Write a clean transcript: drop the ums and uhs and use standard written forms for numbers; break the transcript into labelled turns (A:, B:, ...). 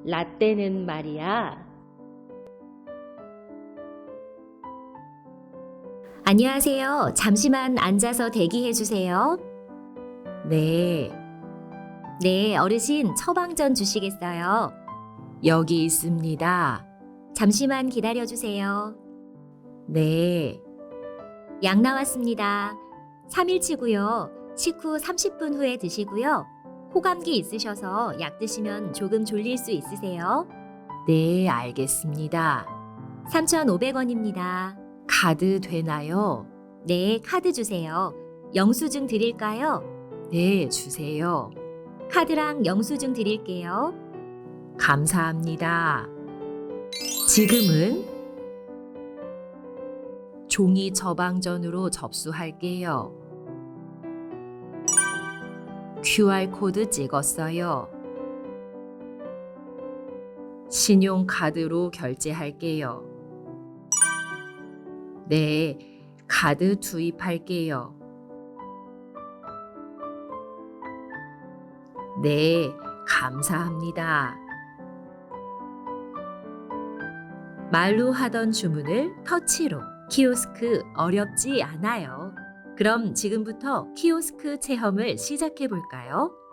A: 라떼는 말이야.
B: 안녕하세요. 잠시만 앉아서 대기해 주세요.
C: 네,
B: 네, 어르신 처방전 주시겠어요?
C: 여기 있습니다.
B: 잠시만 기다려 주세요.
C: 네,
B: 약 나왔습니다. 3일치고요. 식후 30분 후에 드시고요. 호감기 있으셔서 약 드시면 조금 졸릴 수 있으세요.
C: 네, 알겠습니다.
B: 3,500원입니다.
C: 카드 되나요?
B: 네, 카드 주세요. 영수증 드릴까요?
C: 네, 주세요.
B: 카드랑 영수증 드릴게요.
C: 감사합니다. 지금은 종이 처방전으로 접수할게요. QR코드 찍었어요. 신용카드로 결제할게요. 네, 카드 투입할게요. 네, 감사합니다. 말로 하던 주문을 터치로. 키오스크 어렵지 않아요. 그럼 지금부터 키오스크 체험을 시작해 볼까요?